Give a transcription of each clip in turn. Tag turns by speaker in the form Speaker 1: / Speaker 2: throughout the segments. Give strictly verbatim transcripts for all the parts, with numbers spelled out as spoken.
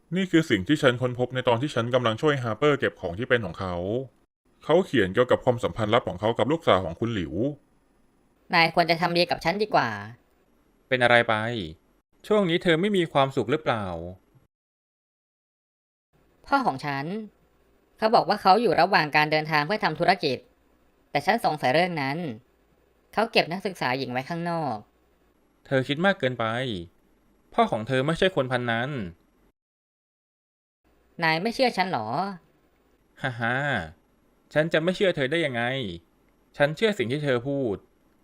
Speaker 1: นี่คือสิ่งที่ฉันค้นพบในตอนที่ฉันกำลังช่วยฮาร์เปอร์เก็บของที่เป็นของเขา เขาเขียนเกี่ยวกับความสัมพันธ์ลับของเขากับลูกสาวของคุณหลิว
Speaker 2: นายควรจะทำดีกับฉันดีกว่า
Speaker 3: เป็นอะไรไป ช่วงนี้เธอไม่มีความสุขหรือเปล่า
Speaker 2: พ่อของฉันเขาบอกว่าเขาอยู่ระหว่างการเดินทางเพื่อทำธุรกิจแต่ฉันสงสัยเรื่องนั้นเขาเก็บนักศึกษาหญิงไว้ข้างนอก
Speaker 3: เธอคิดมากเกินไป พ่อของเธอไม่ใช่คนพันนั้น
Speaker 2: นายไม่เชื่อฉันหรอ
Speaker 3: ฮ่าฮ่าฉันจะไม่เชื่อเธอได้ยังไง ฉันเชื่อสิ่งที่เธอพูด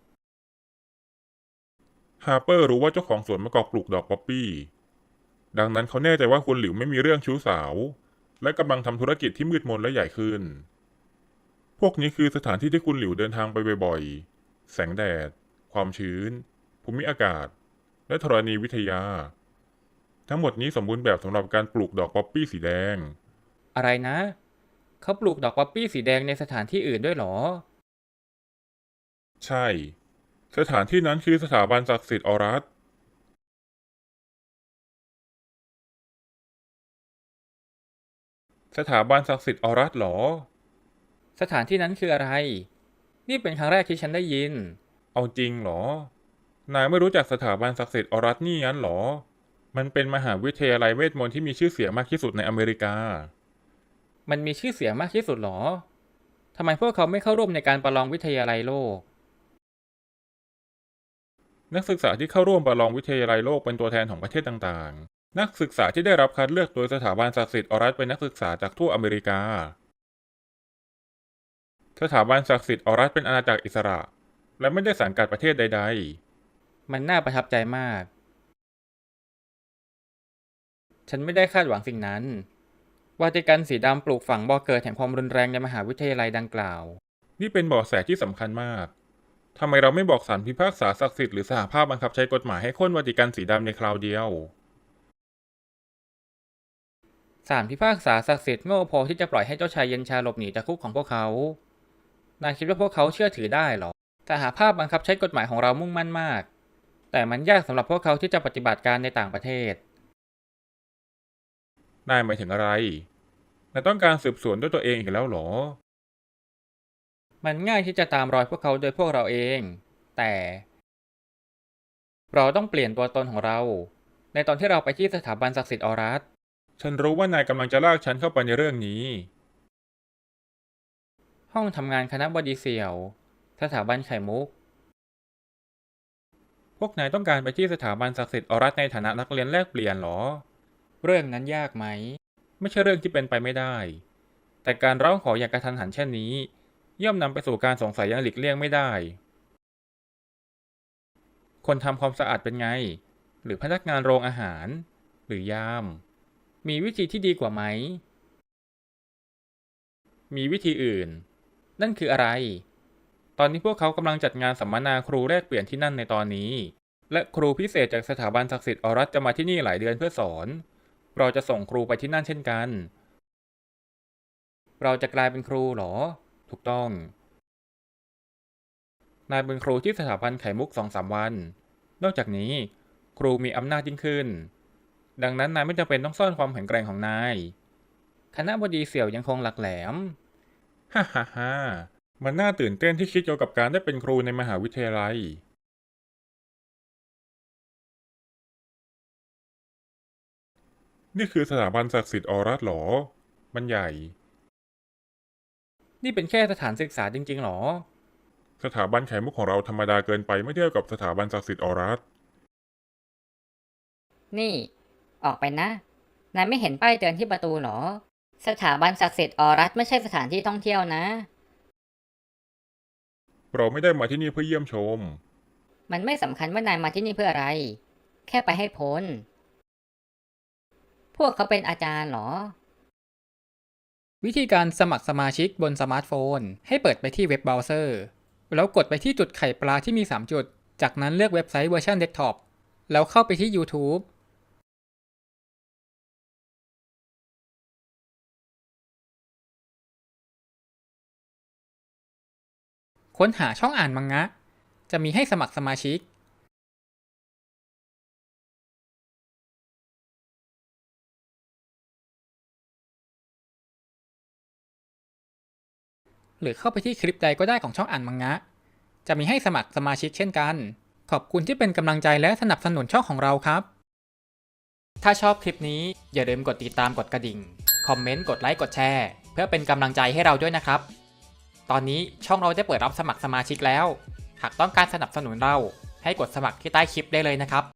Speaker 1: ฮาร์เปอร์รู้ว่าเจ้าของสวนมะกอกปลูกดอกป๊อปปี้ ดังนั้นเขาแน่ใจว่าคุณหลิวไม่มีเรื่องชู้สาว และกำลังทำธุรกิจที่มืดมนและใหญ่ขึ้น พวกนี้คือสถานที่ที่คุณหลิวเดินทางไปบ่อยๆ แสงแดด ความชื้น ภูมิอากาศ และธรณีวิทยา ทั้งหมดนี้สมบูรณ์แบบสำหรับการปลูกดอกป๊อปปี้สีแดง
Speaker 3: อะไรนะ เขาปลูกดอกป๊อปปี้สีแดงในสถานที่อื่นด้วยเหรอ
Speaker 1: ใช่ สถานที่นั้นคือสถาบันศักดิ์สิทธิ์ออรัส สถาบันศักดิ์สิทธิ์ออรัสเหรอ
Speaker 3: สถานที่นั้นคืออะไร นี่เป็นครั้งแรกที่ฉันได้ยิน
Speaker 1: เอาจริงเหรอ นายไม่รู้จักสถาบันศักดิ์สิทธิ์ออรัสนี่งั้นเหรอ มันเป็นมหาวิทยาลัยเวทมนต์ที่มีชื่อเสียงมากที่สุดในอเมริกา
Speaker 3: มันมีชื่อเสียงมากที่สุดเหรอ ทำไมพวกเขาไม่เข้าร่วมในการประลองวิทยาลัยโลก
Speaker 1: นักศึกษาที่เข้าร่วมประลองวิทยาลัยโลกเป็นตัวแทนของประเทศต่างๆ นักศึกษาที่ได้รับคัดเลือกโดยสถาบันศักดิ์สิทธิ์ออรัสเป็นนักศึกษาจากทั่วอเมริกา สถาบันศักดิ์สิทธิ์ออรัสเป็นอาณาจักรอิสระ และไม่ได้สังกัดประเทศใด
Speaker 3: มันน่าประทับใจมาก ฉันไม่ได้คาดหวังสิ่งนั้น วาติกันสีดำปลูกฝังบ่อเกิดแห่งความรุนแรงในมหาวิทยาลัยดังกล่าว
Speaker 1: ๆ นี่เป็นเบาะแสที่สำคัญมาก ทำไมเราไม่บอกศาลพิพากษาศักดิ์สิทธิ์หรือสหภาพบังคับใช้กฎหมายให้โค่นวาติกันสีดำในคราวเดียว
Speaker 3: ศาลพิพากษาศักดิ์สิทธิ์โง่พอที่จะปล่อยให้เจ้าชายเย็นชาหลบหนีจากคุกของพวกเขา นายคิดว่าพวกเขาเชื่อถือได้เหรอสหภาพบังคับใช้กฎหมายของเรามุ่งมั่นมาก แต่มันยากสำหรับพวกเขาที่จะปฏิบัติการในต่างประเทศ
Speaker 1: นายหมายถึงอะไร นายต้องการสืบสวนด้วยตัวเองอีกแล้วเหรอ
Speaker 3: มันง่ายที่จะตามรอยพวกเขาโดยพวกเราเอง แต่เราต้องเปลี่ยนตัวตนของเรา ในตอนที่เราไปที่สถาบันศักดิ์สิทธิ์ออรัส
Speaker 1: ฉันรู้ว่านายกำลังจะลากฉันเข้าไปในเรื่องนี้
Speaker 3: ห้องทำงานคณะบดีเสี่ยว สถาบันไข่มุก
Speaker 1: พวกนายต้องการไปที่สถาบันศักดิ์สิทธิ์ออรัสในฐานะนักเรียนแลกเปลี่ยนเหรอ
Speaker 3: เรื่องนั้นยากไหม
Speaker 1: ไม่ใช่เรื่องที่เป็นไปไม่ได้ แต่การร้องขออย่างกระทันหันเช่นนี้ ย่อมนำไปสู่การสงสัยอย่างหลีกเลี่ยงไม่ได้ คนทำความสะอาดเป็นไง หรือพนักงานโรงอาหาร หรือยาม มีวิธีที่ดีกว่าไหม มีวิธีอื่น นั่นคืออะไร ตอนนี้พวกเขากำลังจัดงานสัมมนาครูแลกเปลี่ยนที่นั่นในตอนนี้ และครูพิเศษจากสถาบันศักดิ์สิทธิ์ออรัสจะมาที่นี่หลายเดือนเพื่อสอน เราจะส่งครูไปที่นั่นเช่นกัน เราจะกลายเป็นครูเหรอ ถูกต้อง นายเป็นครูที่สถาบันไข่มุกสองสามวัน นอกจากนี้ ครูมีอำนาจยิ่งขึ้น ดังนั้นนายไม่จำเป็นต้องซ่อนความแข็งแกร่งของนาย คณะบดีเสี่ยวยังคงหลักแหลมฮ่าฮ่าฮ่ามันน่าตื่นเต้นที่คิดเกี่ยวกับการได้เป็นครูในมหาวิทยาลัย นี่คือสถาบันศักดิ์สิทธิ์ออรัสเหรอ มันใหญ่
Speaker 3: นี่เป็นแค่สถานศึกษาจริงๆหรอ
Speaker 1: สถาบันไข่มุกของเราธรรมดาเกินไปเมื่อเทียบกับสถาบันศักดิ์สิทธิ์ออรัส
Speaker 2: นี่ออกไปนะนายไม่เห็นป้ายเตือนที่ประตูหรอสถาบันศักดิ์สิทธิ์ออรัสไม่ใช่สถานที่ท่องเที่ยวนะ
Speaker 1: เราไม่ได้มาที่นี่เพื่อเยี่ยมชม
Speaker 2: มันไม่สำคัญว่านายมาที่นี่เพื่ออะไรแค่ไปให้พ้นพวกเขาเป็นอาจารย์เหรอ
Speaker 4: วิธีการสมัครสมาชิกบนสมาร์ทโฟนให้เปิดไปที่เว็บเบราว์เซอร์แล้วกดไปที่จุดไข่ปลาที่มีสามจุดจากนั้นเลือกเว็บไซต์เวอร์ชันเดสก์ท็อปแล้วเข้าไปที่ YouTube ค้นหาช่องอ่านมังงะจะมีให้สมัครสมาชิกหรือเข้าไปที่คลิปใดก็ได้ของช่องอ่านมังงะจะมีให้สมัครสมาชิกเช่นกันขอบคุณที่เป็นกำลังใจและสนับสนุนช่องของเราครับถ้าชอบคลิปนี้อย่าลืมกดติดตามกดกระดิ่งคอมเมนต์กดไลค์กดแชร์เพื่อเป็นกำลังใจให้เราด้วยนะครับตอนนี้ช่องเราได้เปิดรับสมัครสมาชิกแล้วหากต้องการสนับสนุนเราให้กดสมัครที่ใต้คลิปได้เลยนะครับ